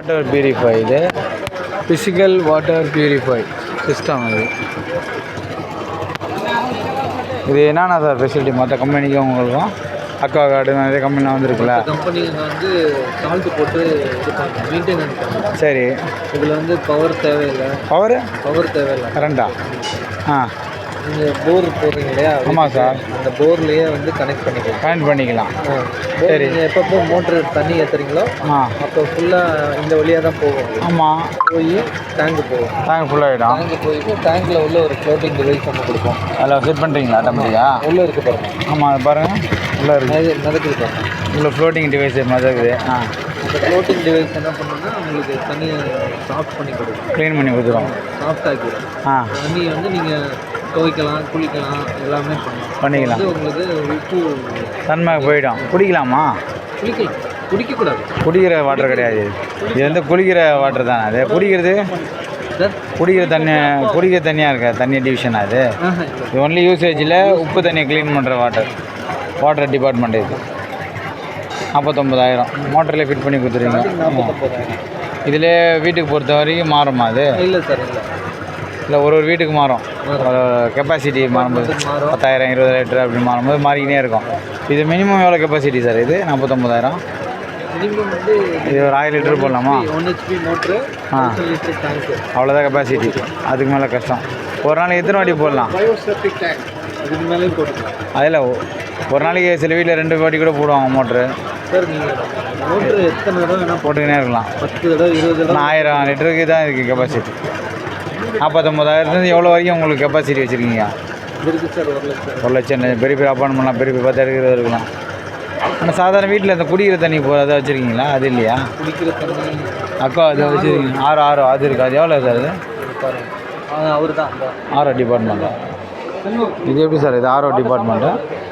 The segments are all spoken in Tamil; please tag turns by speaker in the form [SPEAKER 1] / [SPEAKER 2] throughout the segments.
[SPEAKER 1] வாட்டர் பியூரிஃபை இது ஃபிசிக்கல் வாட்டர் பியூரிஃபை சிஸ்டம் இது என்னென்ன சார் ஃபெசிலிட்டி மற்ற கம்பெனிக்கும் உங்களுக்கும் அக்வா கார்டு நிறைய கம்பெனிலாம் வந்துருக்குல்ல
[SPEAKER 2] கம்பெனியில் வந்து சால்ட்டு போட்டு மெயின்டெனன்ஸ்
[SPEAKER 1] சரி
[SPEAKER 2] இதில் வந்து பவர் தேவையில்லை பவர் தேவையில்லை
[SPEAKER 1] கரண்டா ஆ
[SPEAKER 2] நீங்கள் போர் போடுறீங்க இல்லையா
[SPEAKER 1] ஆமாம் சார்
[SPEAKER 2] அந்த போர்லேயே வந்து கனெக்ட் பண்ணிக்கலாம் சரி நீங்கள் எப்பப்போ மோட்ரு தண்ணி ஏற்றுறீங்களோ அப்போ ஃபுல்லாக இந்த வழியாக தான் போகும்
[SPEAKER 1] ஆமாம்
[SPEAKER 2] போய் டேங்கு போகும்
[SPEAKER 1] டேங்க் ஃபுல்லாகிடும்
[SPEAKER 2] டேங்கு போயிட்டு டேங்கில் உள்ள ஒரு ஃப்ளோட்டிங் டிவைஸ் ஒன்று கொடுப்போம்
[SPEAKER 1] அதில் செட் பண்ணுறீங்களா ஆட்டோமேட்டிக்காக
[SPEAKER 2] உள்ளே இருக்குது பாருங்கள்
[SPEAKER 1] ஆமாம் அது பாருங்கள் உள்ளே இருக்குது
[SPEAKER 2] மிதக்குது பாருங்கள்
[SPEAKER 1] உள்ள ஃப்ளோட்டிங் டிவைஸ் மிதக்குது
[SPEAKER 2] இந்த ஃப்ளோட்டிங் டிவைஸ் என்ன பண்ணுன்னா உங்களுக்கு தண்ணி சாஃப்ட் பண்ணி கொடுக்கும்
[SPEAKER 1] க்ளீன் பண்ணி கொடுத்துரும்
[SPEAKER 2] சாஃப்ட் ஆக்கிடும் தண்ணி வந்து நீங்கள் துவைக்கலாம் குளிக்கலாம் எல்லாமே
[SPEAKER 1] பண்ணிக்கலாம்
[SPEAKER 2] உங்களுக்கு உப்பு
[SPEAKER 1] தன்மை போயிடும் குடிக்கலாமா
[SPEAKER 2] குளிக்கலாம் குடிக்கக்கூடாது
[SPEAKER 1] குடிக்கிற வாட்டர் கிடையாது இது வந்து குளிக்கிற வாட்டர் தானே அது குடிக்கிற தண்ணியாக இருக்க தண்ணி டிவிஷன் அது இது ஒன்லி யூசேஜில் உப்பு தண்ணியை க்ளீன் பண்ணுற வாட்டர் டிபார்ட்மெண்ட் இது 49,000 மோட்டரில் ஃபிட் பண்ணி கொடுத்துருவீங்க இதில் வீட்டுக்கு பொறுத்த வரைக்கும் மாறுமா அது
[SPEAKER 2] இல்லை சார்
[SPEAKER 1] இல்லை ஒரு வீட்டுக்கு மாறும் கெப்பாசிட்டி மாறும்போது 10,000 20 லிட்டர் அப்படி மாறும்போது மாறிக்கினே இருக்கும் இது மினிமம் எவ்வளோ கெப்பாசிட்டி சார் இது 49,000
[SPEAKER 2] மினிமம் வந்து
[SPEAKER 1] இது ஒரு 1000 லிட்டர் போடலாமா
[SPEAKER 2] 1 HP மோட்ரு லிட்டர் டேங்க்
[SPEAKER 1] அவ்வளோதான் கெப்பாசிட்டி அதுக்கு மேலே கஷ்டம் ஒரு நாளைக்கு எத்தனை வாட்டி போடலாம்
[SPEAKER 2] பயோசெப்டிக் டேங்க் அதுக்கு மேலே போட்டுக்கலாம்
[SPEAKER 1] அதில் ஒரு நாளைக்கு சில வீட்டில் 2 வாட்டி கூட போடுவாங்க மோட்ரு
[SPEAKER 2] சார் நீங்கள் மோட்ரு எத்தனை தடவை வேணால்
[SPEAKER 1] போட்டுக்கினே இருக்கலாம்
[SPEAKER 2] 10 தடவை 20 தடவை
[SPEAKER 1] 1000 லிட்டருக்கு தான் இருக்குது கெப்பாசிட்டி 49,000 எவ்வளோ வரைக்கும் உங்களுக்கு கெப்பாசிட்டி வச்சுருக்கீங்க
[SPEAKER 2] இருக்குது சார் 1 லட்சம்
[SPEAKER 1] பெரிய பெரிய அப்பார்ட்மெண்ட்லாம் பெரிய 10 எடுக்கிறது இருக்கலாம் ஆனால் சாதாரண வீட்டில் இந்த குடிக்கிற தண்ணி அதை வச்சுருக்கீங்களா அது இல்லையா
[SPEAKER 2] குடிக்கிற தண்ணி
[SPEAKER 1] அக்கா அதை வச்சுருக்கீங்க ஆரோ அது இருக்குது அது எவ்வளோ சார் அது
[SPEAKER 2] அவர் தான்
[SPEAKER 1] ஆரோ டிபார்ட்மெண்ட்டா இது எப்படி சார் இது ஆரோ டிபார்ட்மெண்ட்டு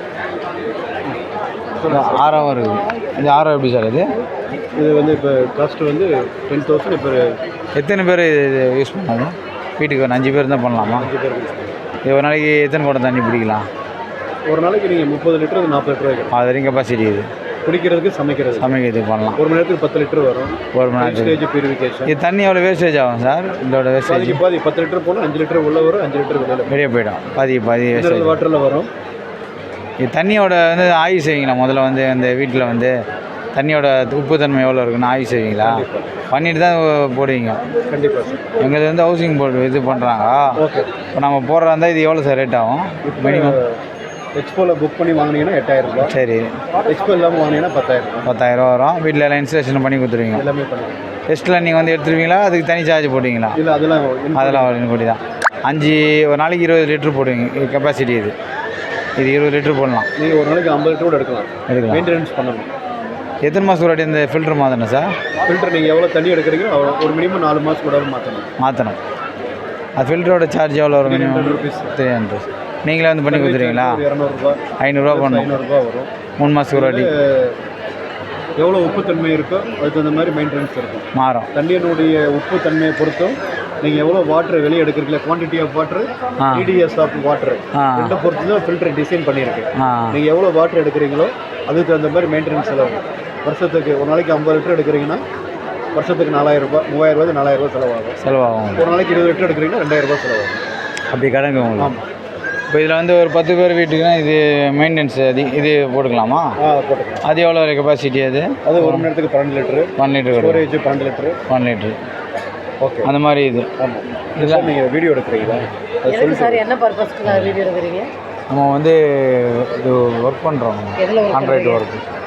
[SPEAKER 1] ஆரோவும் இருக்குது இது ஆரோ எப்படி சார் இது
[SPEAKER 2] வந்து இப்போ காஸ்ட் வந்து 10,000 இப்போ
[SPEAKER 1] எத்தனை பேர் இது யூஸ் பண்ணாங்க வீட்டுக்கு ஒரு 5 பேர் தான் பண்ணலாமா இது ஒரு நாளைக்கு எத்தனை குடம் தண்ணி பிடிக்கலாம்
[SPEAKER 2] ஒரு நாளைக்கு நீங்கள் 30 லிட்டர் 40 லிட்டர் வைக்கலாம்
[SPEAKER 1] அது வரைக்கும் கெப்பாசிட்டி இது
[SPEAKER 2] குடிக்கிறதுக்கு சமைக்கிறதுக்கு பண்ணலாம் ஒரு மணி நேரத்துக்கு 10 லிட்டர் வரும்
[SPEAKER 1] ஒரு மணி நேரத்துக்கு
[SPEAKER 2] பியூரிஃபிகேஷன்
[SPEAKER 1] இது தண்ணி எவ்வளோ வேஸ்டேஜ் ஆகும் சார் இதோட வேஸ்டேஜ்
[SPEAKER 2] பாதி 10 லிட்டர் போனால் 5 லிட்டர் உள்ள வரும் 5 லிட்டர் வெளியே
[SPEAKER 1] போயிடும் பாதி வேஸ்டேஜ்
[SPEAKER 2] வாட்டரில் வரும்
[SPEAKER 1] இது தண்ணியோட வந்து ஆய்வு செய்வீங்களா முதல்ல வந்து அந்த வீட்டில் வந்து தண்ணியோட உப்பு தன்மை எவ்வளோ இருக்குன்னு ஆய்வு செய்வீங்களா பண்ணிட்டு தான் போடுவீங்க
[SPEAKER 2] கண்டிப்பாக சார்
[SPEAKER 1] எங்களுக்கு வந்து ஹவுசிங் போர்டு இது பண்ணுறாங்க இப்போ நம்ம போடுறதா இருந்தால் இது எவ்வளோ சார் ரேட் ஆகும் மினிமம்
[SPEAKER 2] எக்ஸ்போவில் புக் பண்ணி வாங்கினீங்கன்னா 8,000 ரூபாய்
[SPEAKER 1] சரி
[SPEAKER 2] எக்ஸ்போ இல்லாமல் வாங்கினீங்கன்னா 10,000
[SPEAKER 1] வரும் வீட்டில் எல்லாம் இன்ஸ்டலேஷன் பண்ணி கொடுத்துருவீங்க
[SPEAKER 2] எல்லாமே பண்ணி
[SPEAKER 1] டெஸ்ட்டில் நீங்கள் வந்து எடுத்துருவீங்களா அதுக்கு தனி சார்ஜ் போடுவீங்களா
[SPEAKER 2] இல்லை அதெல்லாம்
[SPEAKER 1] கூடி தான் ஒரு நாளைக்கு 20 லிட்டர் போடுவீங்க கெப்பாசிட்டி இது 20 லிட்டர் போடலாம்
[SPEAKER 2] நீங்கள் ஒரு நாளைக்கு 50 லிட்டர் கூட எடுக்கலாம் மெயின்டெனன்ஸ் பண்ணணும்
[SPEAKER 1] எத்தனை மாதம் ஒரு இந்த ஃபில்டர் மாற்றணும் சார்
[SPEAKER 2] ஃபில்டர் நீங்கள் எவ்வளோ தண்ணி எடுக்கிறீங்களோ ஒரு மினிமம் 4 மாதம் கூட மாற்றணும்
[SPEAKER 1] அது ஃபில்டரோட சார்ஜ் எவ்வளோ வரும் மினிமம் 300 நீங்களே வந்து பண்ணி கொடுத்துருவீங்களா 500 பண்ணணும்
[SPEAKER 2] 500 வரும்
[SPEAKER 1] 3 மாதத்துக்கு ஒரு வாட்டி
[SPEAKER 2] எவ்வளோ உப்பு தன்மை இருக்கோ அதுக்கு தகுந்த மாதிரி மெயின்டெனன்ஸ் இருக்கும்
[SPEAKER 1] மாறும்
[SPEAKER 2] தண்ணியினுடைய உப்பு தன்மையை பொறுத்தும் நீங்கள் எவ்வளோ வாட்டர் வெளியே எடுக்கிறீங்களா quantity of water TDS of water ரெண்டை பொறுத்து தான் ஃபில்டர் டிசைன் பண்ணியிருக்கு நீங்கள் எவ்வளோ வாட்டர் எடுக்கிறீங்களோ அதுக்கு தகுந்த மாதிரி மெயின்டெனன்ஸ் செலவு வருஷத்துக்கு ஒரு நாளைக்கு 50 லிட்டர் எடுக்கிறீங்கன்னா வருஷத்துக்கு 4,000 ரூபாய் 3,000 4,000 ரூபாய் செலவாகும் ஒரு நாளைக்கு 20 லிட்டர் எடுக்கிறீங்கன்னா 2,000 ரூபாய் செலவாகும்
[SPEAKER 1] அப்படி கணக்கு உங்களுக்கு ஆமாம் இப்போ இதில் வந்து ஒரு 10 பேர் வீட்டுக்குன்னா இது மெயின்டெனன்ஸ் இது போட்டுக்கலாமா
[SPEAKER 2] போட்டுக்கலாம்
[SPEAKER 1] அது எவ்வளோ கெப்பாசிட்டி அது
[SPEAKER 2] ஒரு மணி நேரத்துக்கு 12 litre
[SPEAKER 1] 1 litre
[SPEAKER 2] storage 12 litre
[SPEAKER 1] 1 litre
[SPEAKER 2] okay
[SPEAKER 1] அந்த மாதிரி இது
[SPEAKER 2] ஆமாம் இதெல்லாம் நீங்கள் வீடியோ எடுக்கிறீங்களா
[SPEAKER 3] சொல்லி சார் என்ன பர்பஸ்க்கு வீடியோ எடுக்கிறீங்க
[SPEAKER 1] நம்ம வந்து இது ஒர்க் பண்ணுறோம் ஆண்ட்ராய்டு ஒர்க்கு